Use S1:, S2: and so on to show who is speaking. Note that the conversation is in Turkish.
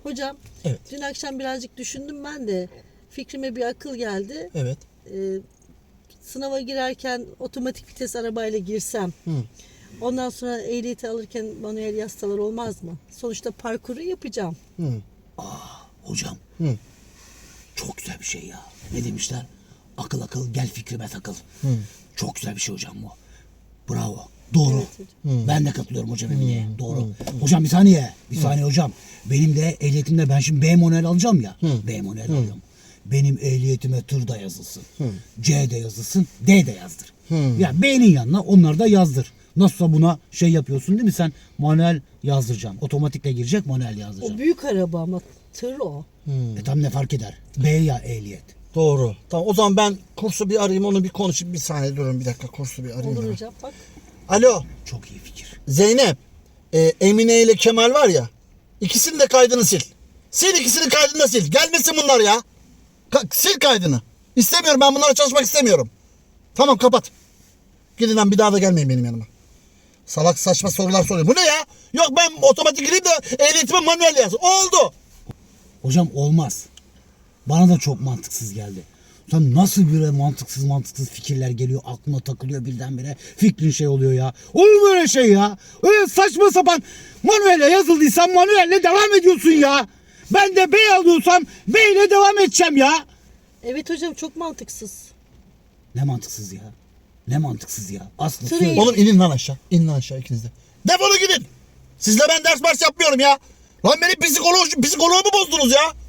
S1: Hocam,
S2: Evet.
S1: dün akşam birazcık düşündüm ben de. Fikrime bir akıl geldi.
S2: Evet.
S1: Sınava girerken otomatik vites arabayla girsem. Ondan sonra ehliyeti alırken manuel yastalar olmaz mı? Sonuçta parkuru yapacağım.
S3: Hocam. Çok güzel bir şey ya. Ne demişler? Akıl akıl gel fikrime takıl. Çok güzel bir şey hocam bu. Bravo. Doğru.
S1: Evet hocam.
S3: Ben de katılıyorum hocam Emine'ye. Doğru. Hocam bir saniye. Bir saniye hocam. Benim de ehliyetimde ben şimdi B manuel alacağım ya. B manuel alıyorum. Benim ehliyetime tır da yazılsın. C de yazılsın. D de yazdır. Ya B'nin yanına onları da yazdır. Nasılsa buna şey yapıyorsun değil mi sen? Manuel yazdıracağım. Otomatikle girecek manuel yazdıracağım.
S1: O büyük araba ama tır o.
S3: Tam ne fark eder? B ya ehliyet.
S2: Doğru. Tamam, o zaman ben kursu bir arayayım, onu bir konuşayım. Bir saniye durun, bir dakika, kursu bir arayayım.
S1: Olur
S2: ben.
S1: hocam bak.
S2: Alo
S3: Çok iyi fikir.
S2: Zeynep, Emine ile Kemal var ya, ikisinin de kaydını sil. Sil, ikisinin kaydını da sil. Gelmesin bunlar ya. Sil kaydını. İstemiyorum, ben bunlarla çalışmak istemiyorum. Tamam, kapat. Gidin lan, bir daha da gelmeyin benim yanıma. Salak saçma sorular soruyor. Bu ne ya? Yok, ben otomatik gireyim de ehliyetime manuel yazsın. Oldu.
S3: Hocam olmaz. Bana da çok mantıksız geldi. Sen nasıl böyle mantıksız fikirler geliyor, aklına takılıyor birdenbire. Fikrin şey oluyor ya. Olur mu öyle şey ya? Öyle saçma sapan manuelle yazıldıysa manuelle devam ediyorsun ya. Ben de B alıyorsam B ile devam edeceğim ya.
S1: Evet hocam, çok mantıksız.
S3: Ne mantıksız ya? Ne mantıksız ya? Aslı
S1: Sırayı-
S3: söyle.
S2: Oğlum inin lan aşağı. İnin lan aşağı ikiniz de. Defolun gidin. Sizle ben ders yapmıyorum ya. Lan benim psikoloğumu bozdunuz ya.